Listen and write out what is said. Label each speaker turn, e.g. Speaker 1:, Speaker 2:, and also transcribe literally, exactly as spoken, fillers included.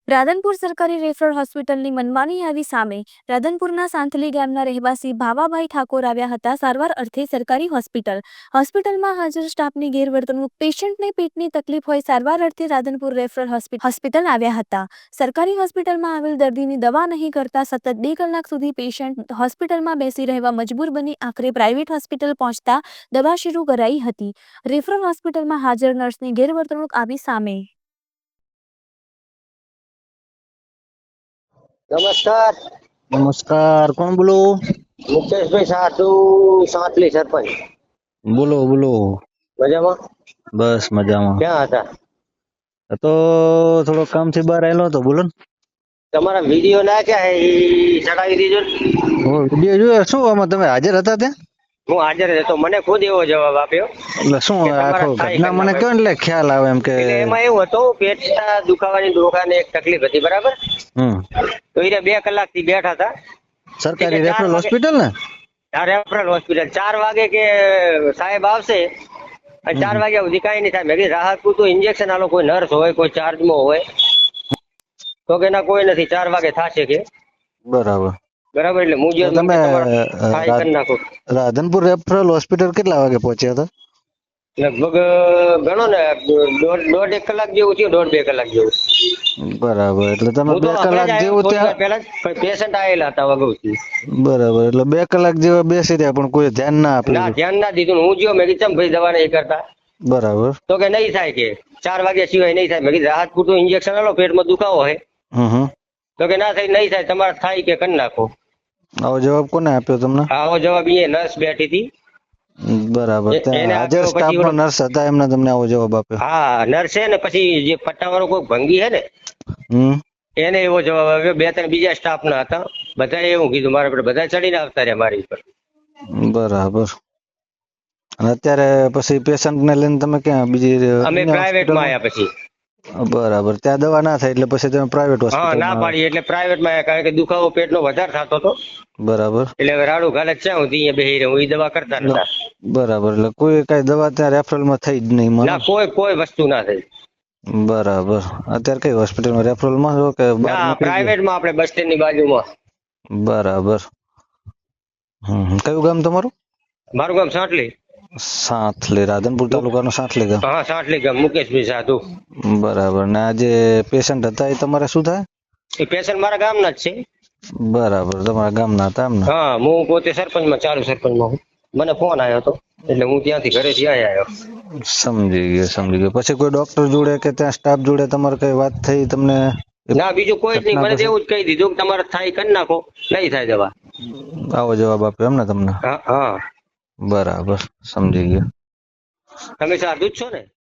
Speaker 1: રાધનપુર સરકારી રેફરલ હોસ્પિટલની મનમાની આવી સામે રાધનપુરના સાંથલી ગામના રહેવાસી ભાવાભાઈ ઠાકોર આવ્યા હતા સારવાર અર્થે સરકારી હોસ્પિટલ હોસ્પિટલમાં હાજર સ્ટાફની ગેરવર્તણૂક પેશન્ટને પેટની તકલીફ હોય સારવાર અર્થે રાધનપુર રેફરલ હોસ્પિટલ આવ્યા હતા। સરકારી હોસ્પિટલમાં આવેલ દર્દીની દવા નહીં કરતા સતત બે કલાક સુધી પેશન્ટ હોસ્પિટલમાં બેસી રહેવા મજબૂર બની આખરે પ્રાઇવેટ હોસ્પિટલ પહોંચતા દવા શરૂ કરાઈ હતી। રેફરલ હોસ્પિટલમાં હાજર નર્સની ગેરવર્તણૂક આવી સામે।
Speaker 2: નમસ્કાર
Speaker 3: નમસ્કાર, કોણ બોલો?
Speaker 2: મુકેશભાઈ સાધુ સાંતલી સરપંચ।
Speaker 3: બોલો બોલો।
Speaker 2: મજામાં?
Speaker 3: બસ મજામાં।
Speaker 2: ક્યાં હતા?
Speaker 3: તો થોડો કામ થી બહાર આવેલો હતો, બોલો ને।
Speaker 2: તમારા વિડીયો નાખ્યા હે ઈ ચડાવી દીધો ને?
Speaker 3: ઓ વિડીયો જોયો? શું આમાં તમે હાજર હતા ત્યાં?
Speaker 2: હું હાજર હતો, મને ખુદ એવો જવાબ આપ્યો
Speaker 3: એટલે શું
Speaker 2: કે તમારા
Speaker 3: આખો
Speaker 2: થાય
Speaker 3: ઘટના મને
Speaker 2: ઘટના
Speaker 3: કયો એટલે ખ્યાલ આવે એમ કે
Speaker 2: એટલે એમાં એવું હતું, પેટના દુખાવાની દુખાને એક તકલીફ હતી, બરાબર?
Speaker 3: હમ
Speaker 2: તો એ બે કલાક થી બેઠા હતા
Speaker 3: સરકારી
Speaker 2: એટલે ચાર
Speaker 3: રેફરલ
Speaker 2: વાગે-
Speaker 3: હોસ્પિટલ ને?
Speaker 2: આ રેફરલ હોસ્પિટલ ચાર વાગે કે સાહેબ આવશે અને ચાર વાગ્યા સુધી કઈ નહીં થાય। મેં કીધું રાહત પૂરતું ઇન્જેક્શન આલો, કોઈ નર્સ હોય, કોઈ ચાર્જમાં હોય, તો કે ના કોઈ નથી, ચાર વાગે થશે કે
Speaker 3: બરાબર
Speaker 2: બરાબર। એટલે હું
Speaker 3: તો તમે
Speaker 2: થાય કરી નાખો।
Speaker 3: રાધનપુર રેફરલ હોસ્પિટલ કેટલા વાગે પહોંચ્યા હતા?
Speaker 2: લગભગ ગણો ને દોઢ દોઢ એક કલાક જેવું થયું, દોઢ બે કલાક જેવું।
Speaker 3: બરાબર, એટલે તમે
Speaker 2: હું
Speaker 3: બે
Speaker 2: તો હમણાં
Speaker 3: કલાક
Speaker 2: જ આવ્યો,
Speaker 3: જેવું
Speaker 2: થોડી વાર
Speaker 3: ત્યાં
Speaker 2: પહેલા જ પેશન્ટ આવેલા હતા અગાઉથી।
Speaker 3: બરાબર, એટલે બે કલાક જેવા બેસી રહ્યા પણ કોઈ ધ્યાન ના
Speaker 2: ના
Speaker 3: આપ્યું?
Speaker 2: ધ્યાન ના દીધું ને હું જ્યો, મેં કીધું ચમ ભાઈ દવા નહીં કરતા,
Speaker 3: બરાબર
Speaker 2: તો કે નહીં થાય, કે ચાર વાગ્યા સિવાય નહીં થાય। મેં કીધું રાહત પૂરતું ઇન્જેક્શન આલો, પેટમાં દુખાવો હોય,
Speaker 3: હમ હમ
Speaker 2: તો કે ના થાય, નહીં થાય, તમારે થાય કે કરી નાખો।
Speaker 3: આવો જવાબ કોને આપ્યો તમને?
Speaker 2: આવો જવાબ એ નર્સ બેઠી હતી,
Speaker 3: બરાબર,
Speaker 2: એ-
Speaker 3: ત્યાં
Speaker 2: એને
Speaker 3: હાજર
Speaker 2: આપ્યો, પછી
Speaker 3: સ્ટાફમાં
Speaker 2: ઓલો-
Speaker 3: નર્સ હતા એમને તમને આવો જવાબ આપ્યો?
Speaker 2: હા નર્સ છે ને, પછી જે પટ્ટાવાળો કોઈ ભંગી છે ને,
Speaker 3: હમ
Speaker 2: એને એવો જવાબ આવ્યો। બે ત્રણ બીજા સ્ટાફ ના હતા, બધાએ એવું કીધું મારા પર, બધા ચડીને આવતા રહ્યા મારી પર।
Speaker 3: બરાબર, અને અત્યારે પછી પેશન્ટ ને લઈને તમે ક્યાં બીજી
Speaker 2: અમે
Speaker 3: અન્ય
Speaker 2: પ્રાઇવેટ માં
Speaker 3: હોસ્પિટલમાં?
Speaker 2: આવ્યા પછી,
Speaker 3: બરાબર, ત્યાં દવા ના થાય એટલે પછી તમે પ્રાઇવેટ
Speaker 2: હા ના
Speaker 3: હોસ્પિટલમાં?
Speaker 2: પાડી એટલે પ્રાઇવેટ માં આવ્યા, કારણ કે દુખાવો પેટનો વધારે થતો હતો,
Speaker 3: બરાબર
Speaker 2: એટલે હવે રાડું ઘાલે ક્યાં સુધી અહીંયા બેહી રહું, એ દવા કરતા નતા।
Speaker 3: બરાબર, એટલે કોઈ કઈ દવા ત્યાં રેફરલ માં થઈ જ નહીં મને?
Speaker 2: ના કોઈ કોઈ વસ્તુ ના થઈ।
Speaker 3: બરાબર, અત્યારે કઈ હોસ્પિટલમાં રેફરલ માં છો કે બહાર
Speaker 2: ના
Speaker 3: નીકળી
Speaker 2: પ્રાઇવેટ માં, આપણે બસ સ્ટેન્ડ ની બાજુમાં।
Speaker 3: ગયા? બરાબર, હમ હમ. કયું ગામ તમારું?
Speaker 2: મારું ગામ સાંટલી।
Speaker 3: સાંથલી, રાધનપુર તાલુકાનું સાંથલી ગામ?
Speaker 2: હા સાંટલી ગામ, મુકેશભાઈ સાધુ।
Speaker 3: બરાબર, ને આ જે પેશન્ટ હતા એ તમારે શું થાય?
Speaker 2: એ પેશન્ટ મારા ગામના જ છે।
Speaker 3: બરાબર, તમારા ગામના હતા એમ ને?
Speaker 2: હા હું પોતે સરપંચમાં, ચાલુ સરપંચમાં હું। મને ફોન આવ્યો હતો એટલે હું ત્યાંથી ઘરેથી આવ્યો।
Speaker 3: સમજી ગયો સમજી ગયો પછી કોઈ ડોક્ટર જોડે કે ત્યાં સ્ટાફ જોડે તમારે કઈ વાત થઈ તમને?
Speaker 2: ના બીજું કોઈ જ નહીં, મને તો એવું જ કહી દીધું કે તમારે થાય કરી નાખો, નહીં થાય દવા।
Speaker 3: આવો જવાબ આપ્યો એમ ને તમને?
Speaker 2: હા હા,
Speaker 3: બરાબર, સમજી ગયો।
Speaker 2: તમે સાધુ જ છો ને?